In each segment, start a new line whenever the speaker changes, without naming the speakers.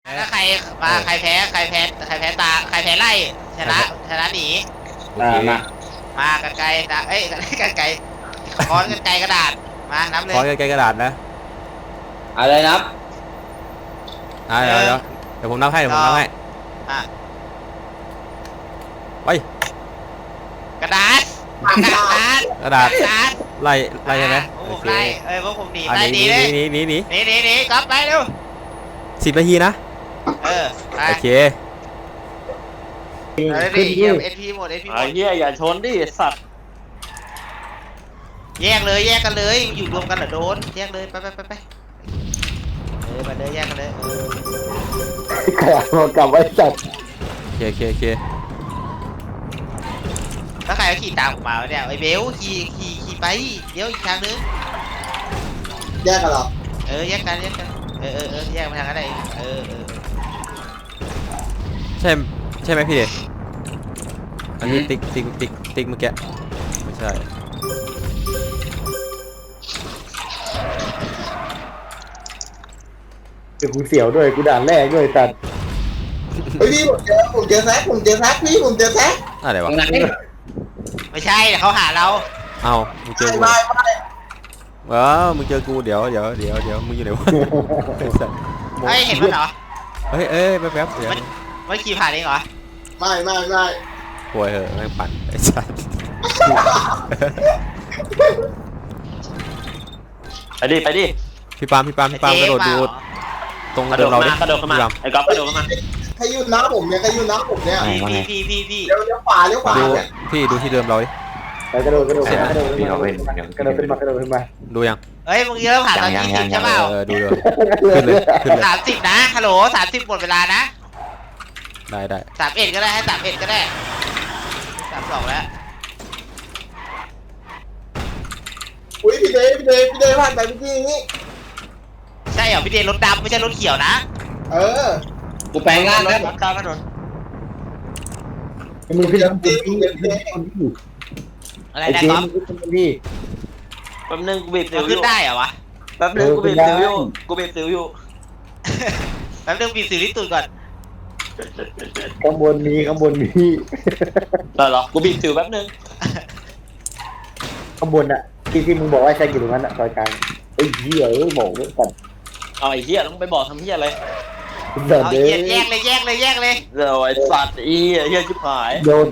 ถ้าใครมาใครแพ้ใครแพ้ใครแพ้ตาใครแพ้ไล่ชนะหนี มากันไกลนะเอ้ยกันไกลค้อนกันไกลกระดาษมานับเลย
ขอไกลๆกระดาษนะ
อะไรนับ
เดี๋ยวผมนับให้
อ่ะ
ไป
กระดาษกระดาษ
ไล่ใช่ไหม
ผ
โอ
ม
เค
ไล่พวกผมหนีไล่หนีเลย
หนี
หนีก๊อฟไปเร็ว
10 นาทีนะ
ไป
โอเค
ดิเดี๋ยวSPหมดSP หม
ไอ้
ด
เหี้ยอย่าชนดิสัตว์
แยกกันเลยอยู่รวมกันเหรอโดนแยกเลยไปมาเลยแยกกันเลย
ใครเอากลับไว้จัด
โอเค
แล้วใครก็ขี่ตามผมมาเนี่ยไอ้เบลขี่ไปเดี๋ยวอีกทางนึง
แยกกันหรอ
แยกกันแยกมาทางนั้นได้
ใช่ไหมพี่เดชอันนี้ติ๊กเมื่อกี้ไม่ใช่
เดี๋ยวกูเสียวด้วยกูด่านแรกด้วยตัดเฮ้ยพี่ผมเจอแซกพี่ผมเจอแซก
อะไรวะ
ไม่ใช่เขาหาเรา
เอามึงเจอกู
ไม่
มึงเจอกูเดี๋ยวมึงอยู่ไหนวะ
เฮ้ยเห็นมันเหรอ
เฮ้ยแป๊บเดี๋ยว
มันขี่ผ่านเองเหรอ
ไม่
ป่วยเหอะแม่งปั่นไอ้สัส
ไปดิ
พี่ปาล์มกระโดดดูตรง
กระโด
เดิ
ด
มเราดิ
มากระโดดเข้ามาไอ้ก๊อฟกระโดดเข้ามา
ใครยุ่นน้าผมเนี่ย
พี่
เดี๋ยวขวา
ดูพี่ดูที่เดิมเราดิ
ไปกระโดดขึ้นมา
ดูยัง
เฮ้ยมึงเริ่มผ่านตอน20ใช่เปล่า
ดูเลยขึ้นเลย
30นะฮัลโหล30หมดเวลานะ
ได้
31ก็ได้ให้31ก็ได้32แล้ว
อุ้ยพี่เดย์ผ่านไปเมื่อกี้นี้
ใช่เหรอพี่เดนรถดำไม่ใช่รถเขียวนะ
กูแปลงร่างแล้ว
ตามถนน
มึงพี่
อะไรนะก๊อฟ
พี่
แป๊บนึงกูบีบสิ
มัน
วอ
ขึ้น
ยู่
ได้เหรอวะ
แป๊บนึงกูบีบสิวอยู่
แป๊บนึงบีบสิวที่ตูดก่อน
ข้างบนมี
เหรอกูบีบสิวแป๊บนึง
ข้างบนอะที่มึงบอกว่าใช่กี่ตรงนั้นอะซอยกลางไอ้เหี้ยบอกไว้ก่อน
เอาไอ้เหี้ยต้องไปบอกทำเหี้ยอะไร
เอาแยกเลย
เดี๋ยวไอ้สัตว์เหี้ยชิบหาย
โยนไป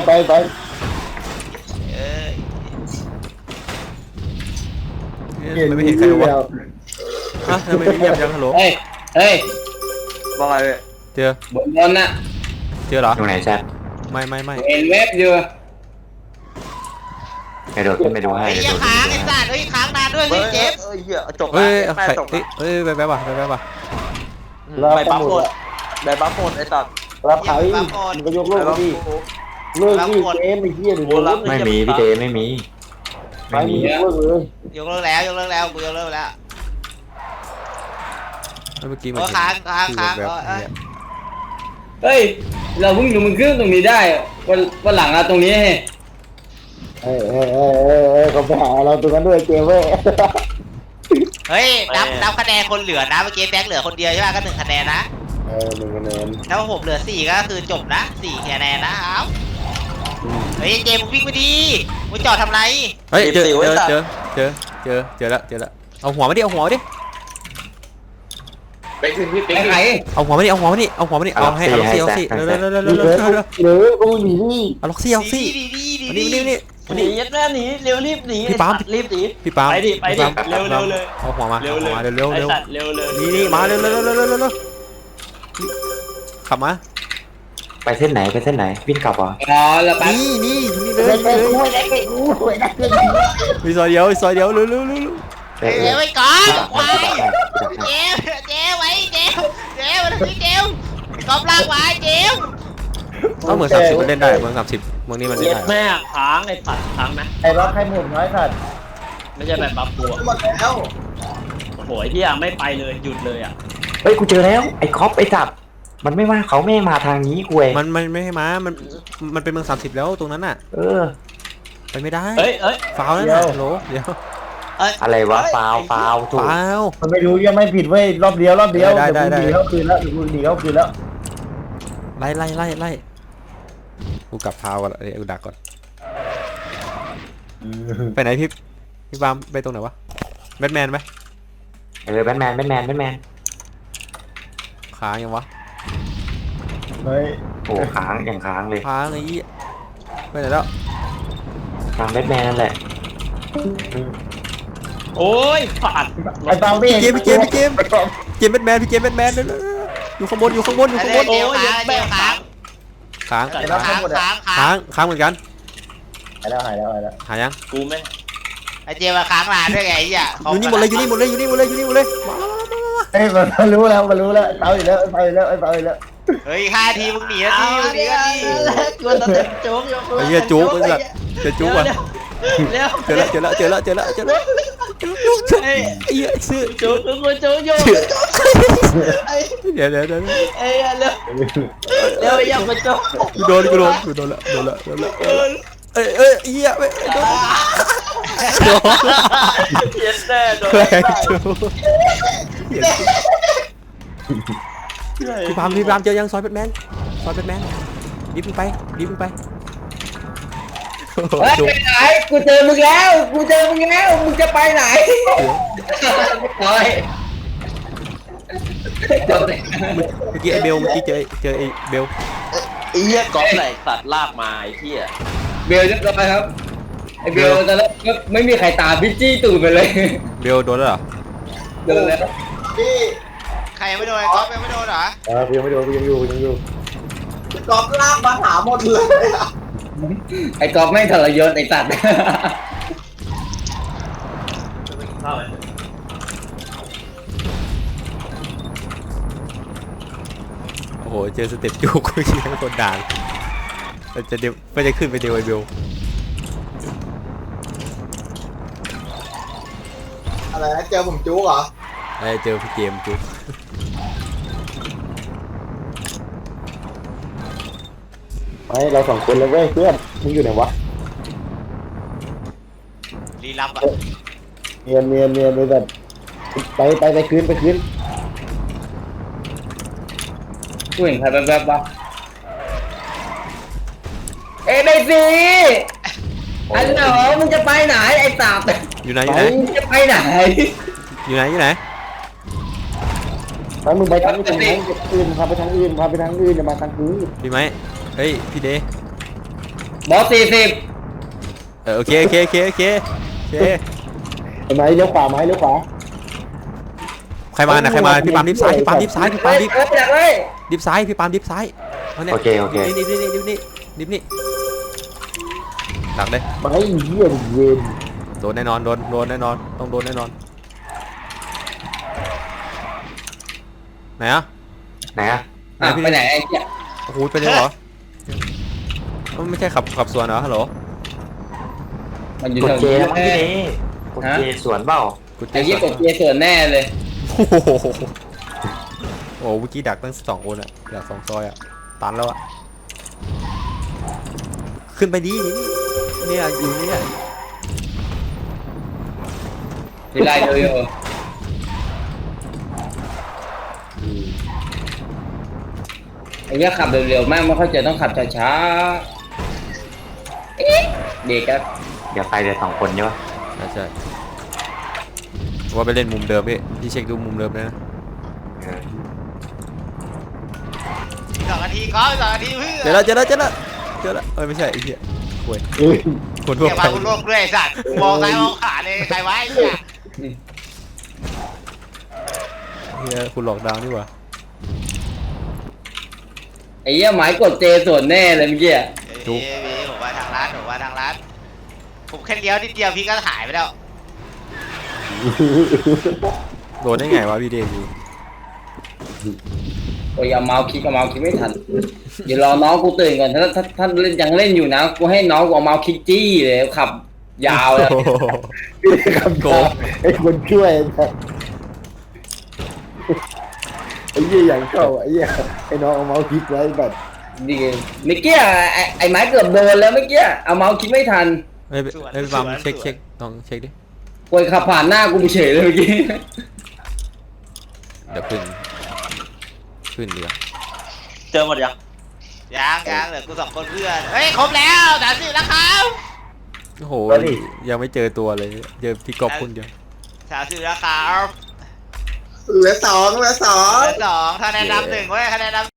ไม่เห็นใครวะฮะทำไมไม่เงียบยังฮัลโหล
เฮ้ยว่าไง
เจอบ
นน่ะ
เจอเหรอ
ตรงไหนแซ่บ
ไม่
เห็นเว็บอยู่
กระโดดขึ้นไปดูให้
ไอ้
กระ
เหี้ย
โดด
ค้าง
ขึ้
ไอ้
นไป
สัตว์เฮ้ยค้างนานด้วยเฮ้ยเจฟ
เหี้ยจบ
เฮ้ย
แม่
ใคร
จบ
เฮ้ยแป๊บว่ะ
ไปบัฟหมดได้บัฟหมดไอ้สัตว์
รับเขาอีกมันก็ยกโลกพี่เลิกพี่เกมไอ้เหี้ยหรือ
ไม่มีพี่เดไม่มี
ไป
ไม่
มี
มี
เลิกเลย
ยกเลิกแล้วกูยกเลิกแล้ว
เมื่อกี้มัน
ค้าง
เฮ้ย เราเพิ่งดูมันขึ้นตรงนี้ได้วันหลังอะตรงนี้ให้
เขาไปหาเราตรงนั้นด้วยเกมเว้ย
เฮ้ยนับคะแนนคนเหลือนะเมื่อกี้แบ็คเหลือคนเดียวใช่ไหมก็1 คะแนนนะ
1 คะแนน
ถ้าผมเหลือ4ก็คือจบนะ4 คะแนนนะครับเฮ้ยเจมมึงวิ่งไปดีมึงจอดทำไร
เฮ้ยเจอแล้วเอาหัวมาดิ
ไอ้ไข่
เอาหัวมาดิเอาให้เอาล็อกซี่เร็ว
หรือกูหนีนี่
เอาล็อกซี่มานี่
หนียัดแม่หนีเร็วรีบหนี
พี่ปาล์ม
รีบหนี
พี่ปาล์ม
ไปดิเร็วเลย
เอาหัวมาเร็ว
ไอ้สัตว์เร็วเลย
นี่มาเร็วขับมา
ไปเส้นไหนวิ่งกลับเหรอ
อ๋อแล้วแป๊บ
นี่เล
เฮ้
ย
ยกูไม่ได้กู
มีซอยเดียวเร็ว
เฮ้ยไว้ก่อนไว้เจมไว้เจมมันคือเจมกอบลากไว้เจม
เอาเหมือน30มันเล่นได้เหมือน30เมืองนี้มันเล่น
เย็ด
ได้
แม่ค้างไอ้สัตว์ค้างนะ
ไอ้รับให้หมดน้อยสัตว์
ไม่ใช่แบบบัฟตัว
หมดแล้ว
โอ้โหที่ยังไม่ไปเลยหยุดเลยอ่ะ
เฮ้ยกูเจอแล้วไอ้คอปไอ้จับมันไม่มาเขาไม่มาทางนี้กูเอง
มันไม่ให้มามันเป็นเมือง30แล้วตรงนั้นน่ะ
เออ
ไปไม่ได้
เฮ้ย
ฟาวแล้วนะโหลเดี๋ยว
อะไรวะฟาวถูก
เปล่า
มันไม่รู้ยังไม่ผิดเว้ยรอบเดียว
ได้
เดี๋ยวกูหนีเข้าคืนแล้วกูหนีเข้าคืนแล้ว
ไล่กูกลับพาวก่อนกูดักก่อนไปไหนพี่บามไปตรงไหนวะแบทแมนไหม
แบทแมน
ค้างยังวะ
เฮ้ย
โอ้ค้างอย่างค้างเลย
ค้างไอ้ยี่ไปไหนแล้ว
ทางแบทแมนนั่นแหละ
โอ้ยผ่าน
ไอ้ตามพี่
พี่เกมแบทแมนอยู่ข้างบน
ไอ้เจียวค้างเจียวค้าง
ค้าง
ไอ้รับทั้งหมดอะ
ค้างเหมือนกัน
หายแล้ว
หายัง
กูไม่
ไอ้เจียวมาค้างนานด้วยไงไอ้เหี้ย
อยู่นี่หมดเลยมา
เฮ้ยมันรู้แล้วเตาอีกแล้วเตาอีกแล้ว
เฮ้ย5 ทีมึงหนีนาทีมึงหนีนาที
กลัวตะเต็มโจ๊กอยู่
ไอ้เหี้ยจุกไอ้สัตว์จะจุกว่ะ
เร็ว
เจอแล้วไอ้เหี้ยซื้อ
โจ๊กกูโจ๊กอยู่
เดี๋ยว
เอ้ยเร็วเร็วอย่ามาโจ๊ก
กูโดนแล้วเอ้ยเหี้ยไม่โดน
เย็นแน่โดน
แรงจุกพี่พามเจอยังซอยแบทแมนดิบมึงไป
เฮ้ยไปไหนกูเจอมึงแล้วมึงจะไปไหนโอ้ย
เมื่อกี้ไอ้เบลเจอไอ้เบล
ไอ้เหี้ยก๊อฟไหนสัตว์ลากมาไอ้เหี้ย
เบลเรียบร้อยครับไอ้เบลตอนแรกก็ไม่มีใครตามพี่จี้ตูดไปเลย
เบลโดนแล้วเหรอ
เดินแล้ว
พี่
ใครยังไม่โดนไอ้ก๊อฟยังไม่โดนเหรอ
ยังไม่โดนยังอยู่
กอบลากมาหาหมดเลยอะ
ไอ้ก๊อฟไม่งทรยศไอ้สัตว์
โอ้โหเจอสเต็ปจุกกูยิงทั้งคนด่างมันจะขึ้นไปเดวไอ้เบล
อะไรนะเจอผมจุกเหรอ
ไอ้เจอพี่เกมจุก
ไม่เรา2คนเลยเว้ยเพื่อนมึงอยู่ไหนวะ
รีลับอ่ะ
เนียนเลยแบบไปคืน
กูเห็นใครแบบๆปะเอ้ยไปสิอันเหรอมึงจะไปไหนไอ้สัตว์
อยู่ไหน
มึงจะไปไหน
ไปมึงไปทางอื่นพาไปทางอื่นอย่ามาทางนี้
พี่ไหมเฮ้ยพี่เด
บอส40
โอเค
ไอ้ไม้เลี้ยวขวา
ใครมาพี่ปามดิฟซ้ายดิฟซ้าย
อยากเลย
ดิฟซ้ายพี่ปามดิฟซ้ายเนี่ย
โอเค
นี่หลักเลย
ไม้เหี้ยเย็น
โดนแน่นอนต้องโดนแน่นอนไหนอะ
ไหนอะ
ไปไหนไอ้เหี้ย
โอ้โหไปเลยเหรอไม่ใช่ขับสวนเหรอฮัลโหล
มันอยู่
กด
แถว
เจ
นี้
แล้วมั้งพี่เนกดเจสวนเปล่า
ไอ้เหี้ยกดเจส่วนแน่เลย
โอ้โหเมื่อกี้ดักตั้ง2 คนอะดัก2 ซอยอะตันแล้วอะขึ้นไปดีเนี่ยอยู่เนี่ย
ทีไรเลยไอ้เหี้ยขับเร็วๆมากไม่เข้าใจต้องขับช้าๆเด็กครับ
เดี๋ยวไปเดี๋ยว2 คนใช่ปะ
ใช่ว่าไปเล่นมุมเดิมพี่เช็คดูมุมเดิมเลยนะ
2 นาทีก๊อฟ2 นาทีเพื่อ
เจอแล้วไม่ใช่ไอ้เหี้ยโว้ยคนทั่ว
เดี๋ยว
ไป
มาคุณโลกด้วยไอ้สัตว์มองซ้ายมองขวาเลยใครวะไอ้เนี่ย
เฮียคุณหลอกดาวนี่หว่า
ไอ้เหี้ยหมายกดเจส่วนแน่เลยเมื่อกี้
พี่ผมว่าทางร้านผมแค่เลี้ยวนิดเดียวพี่ก็หายไปแล้ว
โดนได้ไงวะพี่เดย์
โอ้ยเอาเมาส์คลิกไม่ทันเดี๋ยวรอน้องกูตื่นก่อนถ้าเล่นยังเล่นอยู่นะกูให้น้องกูเอาเมาส์คลิกจี้เลยขับยาวเลย
ครับโกไอ้คนช่วยไอ้เหี้ยอย่างเข้าไอ้เหี้ยไอ้น้องเอาเมาส์คลิกไว้แบบ
ดีเมื่อกี้ไอ้ไม้เกือบโดนแล้วเมื่อกี้เอาเมาส์คลิกไม่ทัน
เฮ้ยพี่ปามเช็คลองเช็คดิ
กวยขับผ่านหน้ากูไปเฉยเลยเมื่อกี้
เดี๋ยวขึ้นเดี๋ยว
เจอหมดยัง
ยังเหลือกู2 คนเพื่อนเฮ้ยครบแล้ว30แล้วครับ
โอ้โหยังไม่เจอตัวเลยเจอพี่กอบคนเดียว
30แล้วครับ
เหลือ 2
เหลือ2คะแนนนำ1เว้ยคะแนนนำ